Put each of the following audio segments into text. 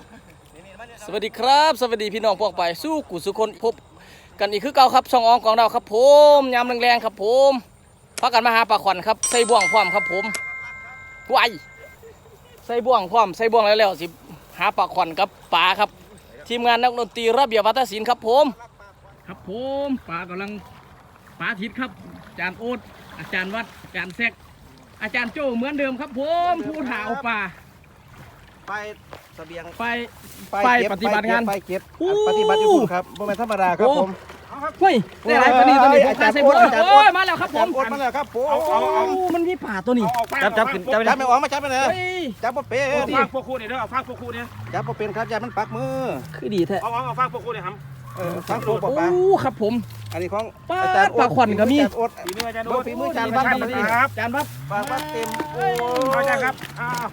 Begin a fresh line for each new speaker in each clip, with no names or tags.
สวัสดีครับสวัสดีพี่น้องพวกไปสู้กุสุคนพบกันอีกคือเก่าครับช่องอองของเราครับผมยามแรงๆครับผมพักกันมาหาปลาขวัญครับใส่บ่วงพร้อมครับผมไวใส่บ่วงพร้อมใส่บ่วงแล้วสิหาปลาขวัญกับปลาครับทีมงานนักดนตรีระเบียบวัฒนศิลป์ครับผมครับผมปลากำลังปลาทิศครับอาจารย์โอ๊ตอาจารย์วัดอาจารย์แซกอาจารย์โจ้เหมือนเดิมครับผมผู้ถ่าเอาปลา
ไปเสบียง
ไปปฏิบัติงาน
ไปเก็บปฏิบัติอยู่ครับบ่แม่นธรรมดาครับผม
เฮ้ยได้ไรปลานี่ตัวนี้ผมพาใส่บ่วงโอ้ยมาแล้วครับผม
มาแล้วครับผม
มันมีป่าตัวนี้
จับขึ้นจับไม่ออกมาจับไปเลยจับบ่เป็น
ฟางพวกคู่เนี่ยเด้อเอาฟางพวกคู่เนี่ย
จับบ่เป็นครับอย่ามันปักมือ
คือดีแท้
เอาฟางพวกคู่เนี่ยครับ
ฟังโซ่ปลาปลา
ครับผม
อันนี้ของ
อาจารย์ปลาขวัญก็มี
ฝีมืออาจารย์โอ๊ต
ฝีมืออาจารย์วัด
ครับ
อาจารย์วัด
ปลาวัดเต็มโอ้
อาจารย์ครับ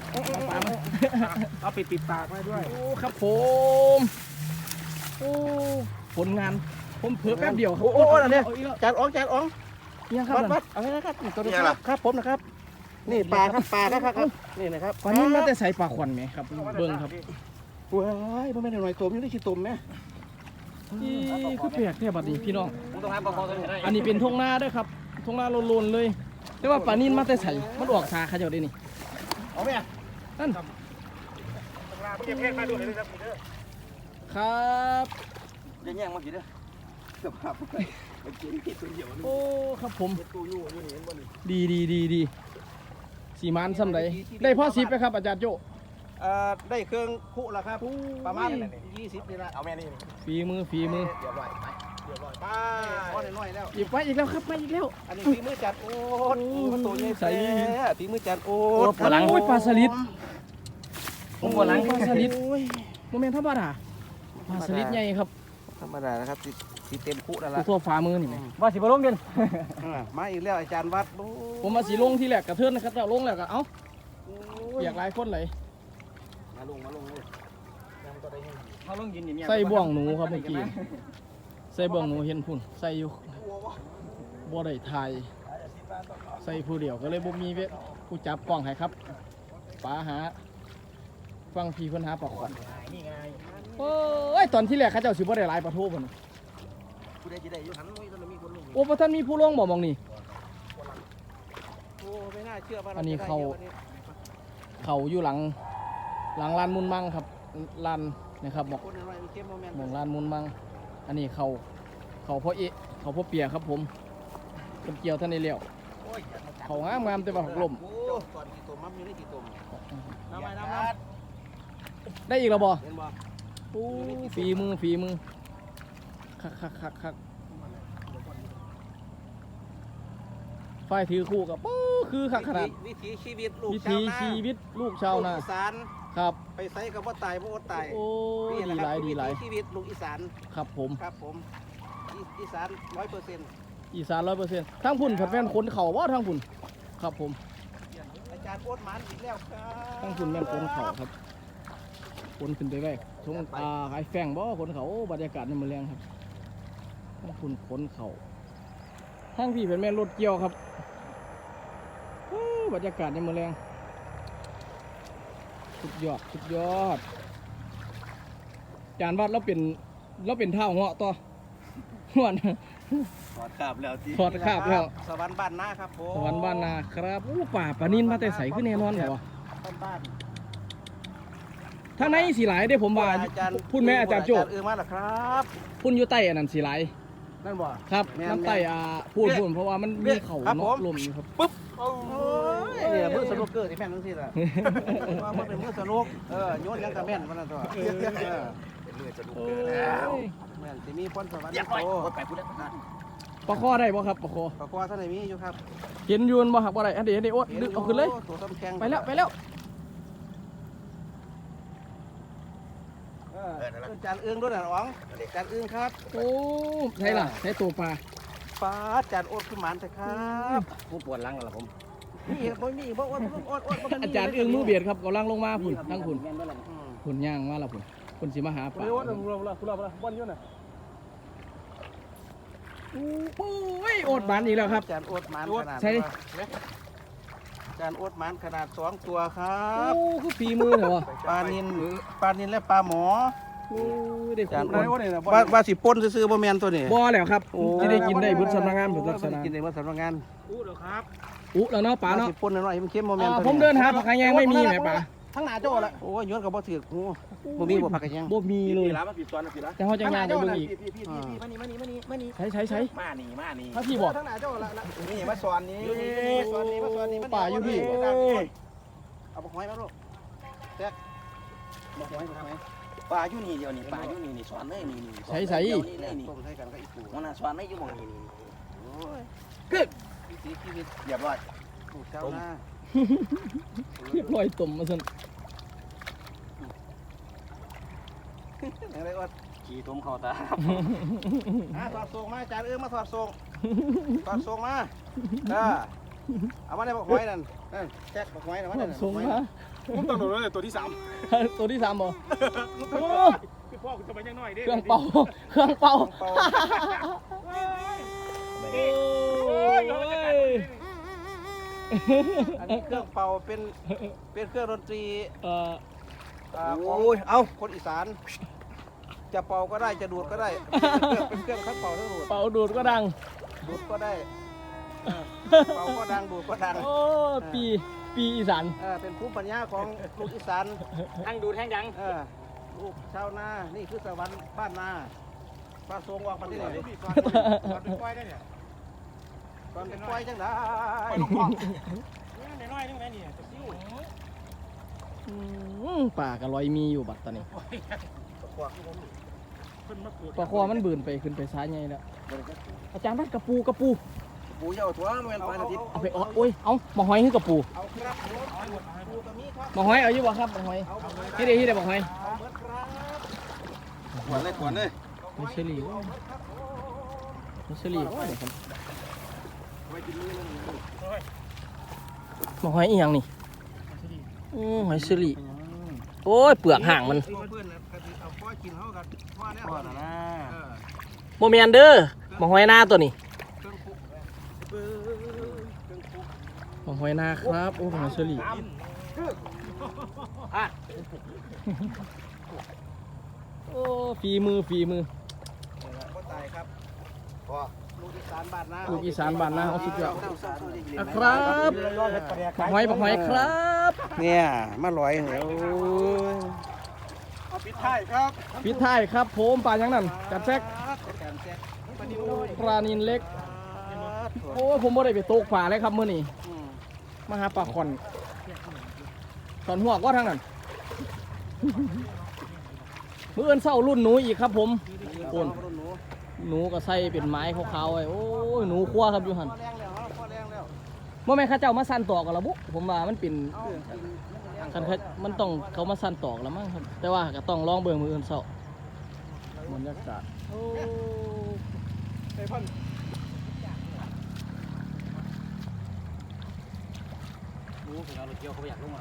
เอาปิดปากไว้ด้วย
โอ้ครับผมโอ้ผลงานผมเพิ่มแป๊บเดียวครับ
โอ้อันนี้อาจารย์อ๋อง
ยังครับ
วัดเอาให้นะครับตัวนี้ครับผมนะครับนี่ปลาครับนี่นะครับ
ปลานี่น่าจะใส่ปลาขวัญไหมครับเบิ้งครับ
ว้ายบ่แม่นหน่อยตมยังได้ขี้ตมไหม
นี่คือเปียกแท้บัดนี้พี่น้องอันนี้เป็นทงนาด้วยครับทงนาโลนๆเลยแต่ว่าปลานิ่นมาแต่ใส่มันออกสาขยับได้นี่
เอาไหม
นั่นครับ
จะแย่งมากี่เด้อสภาพ
โอ้ครับผมดีสีมันซ้ำใดได้พ่อซิปไหมครับอาจารย์โจ
ได้เครื่องคุแล้วครับประมาณ20นี่ละเอาแม่นี่
ฝีมือ
เรียบร้อยไปพอได้น้อยแล้ว
อีกไปอีกแล้วครับไปอีกแล้ว
อันนี้ฝีมือจัดโอ๊ตตัวใหญ่ใส่ฝีมือจัดโอ๊ต
ปลาหลังปลาสลิดผมปลาหลังปลาสลิดโมเมนต์ธรรมดาปลาสลิดใหญ่ครับ
ธรรมดานะครับสีเต็มคุนั่นแหละ
ทั่วฝ่ามือนี่ไหมว่าสีบอลงเด่น
มาอีกแล้วอาจารย์วัด
ผมมาสีลงที่แหลกกระเทือนนะครับแต่ลงแล้วก็เอ้าอยากหลายคนเลย
มาลงเลย
ใส่บ่วงหนูครับเมื่อกี้ใส่บ่วงหนูเห็นพุ่นใส่อยู่บ่ได้ถ่ายใส่ผู้เดียวก็เลยบ่มีผู้จับกล้องให้ครับป๋าหาฟังพี่เพิ่นหาปลาขวัญโอ้ยตอนที่แรกเขาเจ้าสิบ่ได้หลายปลาทูพุ่น
ผู้ใดสิได้อยู่หันมีคนลง
โอ้บ่ทันมีผู้ลงบ่มองนี่
โอ้ไม่น่าเชื่อว่า
อันนี้เขาอยู่หลังลานมุนมังครับลานนะครับบอกลานมุนมังอันนี้เขาพ่อเอะเขาพ่อเปียครับผมเป็นเกี่ยวท่านในเลี้ยวเขางามแต่ว่าหักลมได้อีกแล้วบ่ฝีมือคักไฟถือคู่กับคือคักขนาด
วิถีชีวิต
ลูกชาวนา
อีสาน
ครับ
ไปไซกับว่าตายบ่อดตาย
โอ้ดีหลาย
ชีวิตลูกอีสาน
ครับผม
อีสาน 100%
อีสาน 100%ทั้งพุ่นแฟนคนเขาว่าทั้งพุ่นครับผม
อาจารย์โอ๊ตมันอีกแล้วครับ
ทั้งพุ่นแม่นคนเขาครับคนขึ้นไปแรกทงไอ้แฝงบ่คนเขาบรรยากาศนี่มันแรงครับทั้งพุ่นคนเขาทั้งพี่เป็นแม่รถเกี่ยวครับบรรยากาศนี่มันแรงสุดยอดจานวัดแล้วเป็นเท่าเหาะต่อวัน
ถอดขาบแล้วสวรรค์บ้านนาครับผม
สวรรค์บ้านนาครับป่าปลานินมาแต่ใสขึ้นแน่นอนเหรอ
บ้าน
ทางในสีไหลได้ผมว่าพุ่นแม่อาจารย์โจ้
มาแล้วครับ
พุ่นอยู่ใต้อันนั้นสีไหล
นั่นบ่
ครับน้ำใต้พุ่นเพราะว่ามันมีเขาเนาะลมอยู่ครับ
ปึ๊บเนี่ยมือสนุกเกอร์ที่แม่นทั้งสิ้นแหละว่ามันเป็นมือสนุกโยนยังกระแม่นมันนั่นตัวเป็นมือสนุกเกอร์แล้วแม่นที่มีพรสวรรค์โต
ปลาคอได้บ่ครับปลาค
อท่านไหนมีอยู่ครับ
เห็นยูนบ่ครับบ่ได้อันเดี๋ยวโอ๊ตดึกเอาขึ้นเลยไปแล้ว
จานอึ้งด้วยนะอ๋องจานอึ้งครับ
โอ้ใช่ล่ะใช่ตัวปลา
จานโอ๊ตขึ้นหมานแต่ครับ
ผู้ปวดหลังเหรอผม
นี่บ่มีบ่
อาจารย์อึ้งมือเบียดครับกำลังลงมาพุ่นทั้งพุ่นย่างมาแล้วพุ่นสิมาหาปลา
บอลยุ่นน่ะ
โอ้ยโอ๊ตหมานอีกแล้วครับ
จานโอ๊ตหมาน
ใช่
จานโอ๊ตหมันขนาด2ตัวครับ
โอ้คือฝีมือเหรอวะ
ปลานินและปลาหมอ
โอ้ยได้
จาน
ขุ
โอ๊
ด
ตว่าสิป่นซื้อๆบ่แม่นตัวนี้
บ่แล้วครับ
โอ้
ที่ได้กินได้บุญสำนักงานบุญลักษณะ
กินได้บ่สำนักงาน
อู้เดี๋ยวครับ
อุ๊แล้วเนาะป๋า
ว่า
เนาะ
สิป่นน้อยๆมันเค็มบ่แม่นตัว
ผมเดินหาผักกาดแยงไม่มีแหมป๋า
ทั้งหน้าโจ้ละโอ้ยย้อนก็บ่ถือโอ้บ่มีบ่ผักกะแยง
บ่มีเลย
ร้านมาปิดตอนนะปิดละ
แต่เขาจะงานไปเบิ่งอีก
พี่มานี่
ใช้
มานี่
ถ้าพี่บอก
ทั้งหน้าโจ้ละ
นี่มาสอนนี่
สอนนี่มาสอนนี่
ป่าอยู่พี่
เอาบ่หอยมาลูกแจ๊กบ่หอย
ปลาอยู่นี่เดียวนี่ปลาอยู่นี่สอนเลยนี่
ใช้
เดี๋ยวนี่เลยนี่
ต้มใส่กันก็อีกปู
มันน่ะสอนไม่อยู่หม่องนี่
โอ้ย วิถีชีวิต
เรียบร้อย
ปลูกเจ้าหน้า
เรียบร้อยตุ่มมาซั่น
อย่างไรอด
ขี่ตุ้มเข้าตา
ถอดทรงมาจานมาถอดทรงถอดทรงมาเอามาได้บอกหอยนั่นแจ็คบอกหอยนะว่านั่น
ส่งมา
ผมต้องโดนเลยตัวที่
ตัวที่3บ่โอ้
3พี่พ่อจะไปยังน้อยเด้
เครื่องเป่าเครื่องเป่า
เป่า
โอ้ย
อันนี้เครื่องเป่าเป็นเครื่องดนตรี
โอ้ยเอา
คนอีสาน จะเป่าก็ได้จะดูดก็ได้เป็นเครื่องทั้งเป่าทั้งดูด
เป่าดูดก็ดัง
ดูดก็ได้เป่าก็ดังดูดก็ดัง
โอ้ปีอีสาน
เป็นภูมิปัญญาของลูกอีสาน
ทั้งดูทั้งดัง
ลูกชาวนา นี่คือสวรรค์บ้านนาปลาทรงวางปลาที่ไหน
สอนเป็นก้อยได้เนี่ย
ตอนเป็นควายจังได้
ก้อยลูกพ่อนี่น้อยนึงแม่นี่จะซิ้ว
ป่ากะลอยมีอยู่บัดตอนนี้
เพิ่นมาเกิด
ปลาคอมันบืนไปขึ้นไปซ้ายไงแล้วอาจารย์บัดกระปู
ปูเยาตัวมันเป็นปลาอาทิตย์
เอาไปเอาโอ้ยเอามาหอยให้กระปู
เอาครับปูตัวนี้ครับ
มาหอยเอาอยู่บ่ครับมาหอยที่ใดมาหอย
เอาเบิดครับ
ขวัญเลยขวัญเลย
มิชลีมิชลีว่าเดี๋ยวครับมาหอยอีหยังนี่หอยเชลีโอ้ยเปลือกห่างมัน
เพื่อนนะเอาพ่อกินเขากันพ่อเนี่ย
พ่อนะ
โมเมนเด้อมาหอยหน้าตัวนี้
เครื่องคุก
มาหอยหน้าครับโอ้หอยเชลีโอ้ฝีมือ
ก็ตายครับพ่อลูกอีสานบ้านนา
ลูกอีสานบ้านนาเอาสุดยอด
ค
ค
รั
รับหอยครับ
เนี่ยมาลอยเหนียว
เอาปิดท้ายครับ
ปิดท้ายครับผมปลาอย่างนั้นจัดแซก
การแซก
ปลานินเล็กโอ้ผมไม่ได้ไปตกปลาเลยครับมื้อนี้มาหาปลาขอนตอนหัวก็ทางนั้นมื้อเอิ้นเศร้ารุ่นหนูอีกครับผมโอนหนูก็ใส่เป็นไม้ขาวๆไว้โอ้ยหนูคั่วครับอยู่หั่น
พอแรงแล้วพอแรงแล้ว
บ่แม่นเขาเจ้ามาสั่นตอกกันละบุผมว่ามันเป็น
เอา
คันเขามันต้องเขามาสั่นตอกแล้วมั้งครับแต่ว่าก็ต้องลองเบิ่งมื้ออื่นเศร้าบรรยากาศโอ้
ไอ้พ่อน
รู้ถึงเอารถเกี่ยวเขาอยากลงมา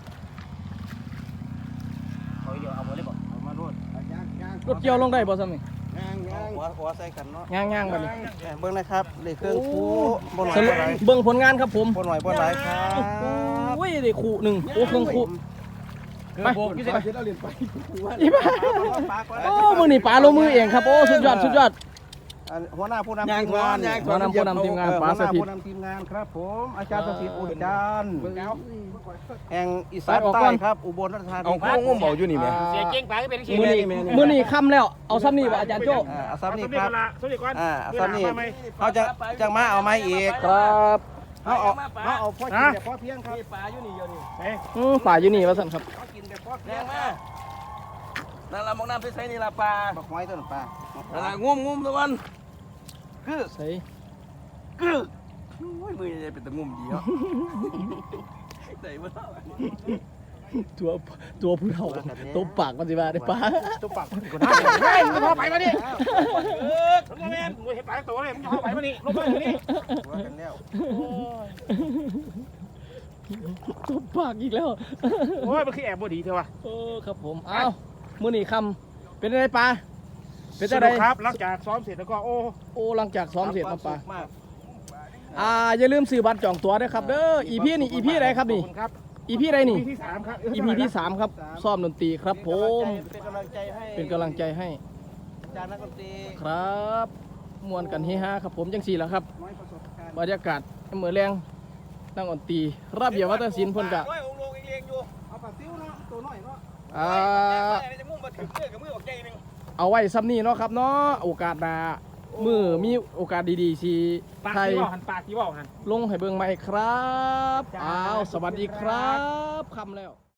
เขาเกี่ยวเอาหมดเลยบ่เอามาโดดย่าง
รถเกี่ยวลงได้บ่ซ้ำนี่
หัวใส่กันเนาะ
ย่างๆบัดนี้
เบิ้งนะครับเลขเครื่องคู่บ่หน่อย
สรุป
บ่หลาย
เบิ่งผลงานครับผม
บ่หน่อยบ่หลายครับ
โอ้ยได้คู่หนึ่งโอ้เครื่องคู่ไป
พี่เสร็จเอาเหรียญไป
อีบ้าโอ้มือนี่ปลาลงมือเองครับโอ้สุดยอด
หัวหน้าผู้นำทีมงาน
หัวหน้าผู้นำทีมงานปลาสถิต
ผู้นำทีมงานครับผมอาจารย์สถิตอุดจันทร์แห่งอีสานใต้ครับอุบลราชธานี
เอาข้าวงมเบาอยู่นี่แม่
เสียเก่งปลาก็เป็นเสีย
มือนี่ค่ำแล้วเอาซ้ำนี่บ่อาจารย์โจ้
อาซัมนี่ครับ
สวัสดีก่อน
อาซัมนี่เขาจะมาเอาไม้อีก
ครับ
เขาเอาพ่อกินแต่พ่อเพียงครับ
ปลาอยู่นี่เดียวนี่
ป่าอยู่นี่ว่าสั่นครับ
เขากินแต่พ่อเพีย
แรง งมานั่นละมองน้ำใส่นี่ละปลา
บักหอยต้นปลา
นั่นละงมตะวันคือ
ใส่
คือโอ้ยมือใหญ่เป็นตะงมดีเนาะใส่มาเท่า
ตัวผู้เฒ่าตบปากมันสิว่าได้ปลา
ตุ๊บปักกู
เฮ้
น่าย
มึงเข้าไปมาดิมึงแม่มึงเห็นปลาตัวเลยมึงเข้าไปมาดิลงมาดิ
ว่ากันแล้ว
ตบปากอีกแล้ว
โอ้ยมันคือแอบบดีเถอะวะ
โอ้ครับผมอ้าวมือนี่ค่ำเป็นอะไรปลาเป็นอะไร
ครับหลังจากซ้อมเสร็จแล้วก็โอ้
โอ้หลังจากซ้อมเสร็จมาปลาอย่าลืมซื้อบัตรจองตั๋วด้วยครับเด้อ EP นี่ EP ไหนครับนี่
ครับ
EP ไหนนี่
ที่3ครับ
EP ที่ 3 ครับซ้อมดนตรีครับผม
เป็นกำลังใจให้
เป็นกำลังใจให้
อาจารย์นักดนตรี
ครับมวนกันเฮฮาครับผมจังสี่แล้วครับ
น้อยประสบการณ์
บรรยากาศเหมือนแรงนั่งดนตรีระเบียบวัฒนศิลป์เพิ่นกะ
ด้วยองค์ลงเองอยู่
เอาปลาซิวเนาะตัวน้อยเนาะ
จะมุ่งมาถึงเมื่อกับมือออกใจนึง
เอาไว้ซ้ำนี่เนาะครับเนาะโอกาสหน้ามือมีโอกาสดีๆสิ
ปาก
ไทย
ที่บอกหันปากที่บอกหัน
ลงให้เบิ่งใหม่ครับอ้าวสวัสดีครับคำแล้ว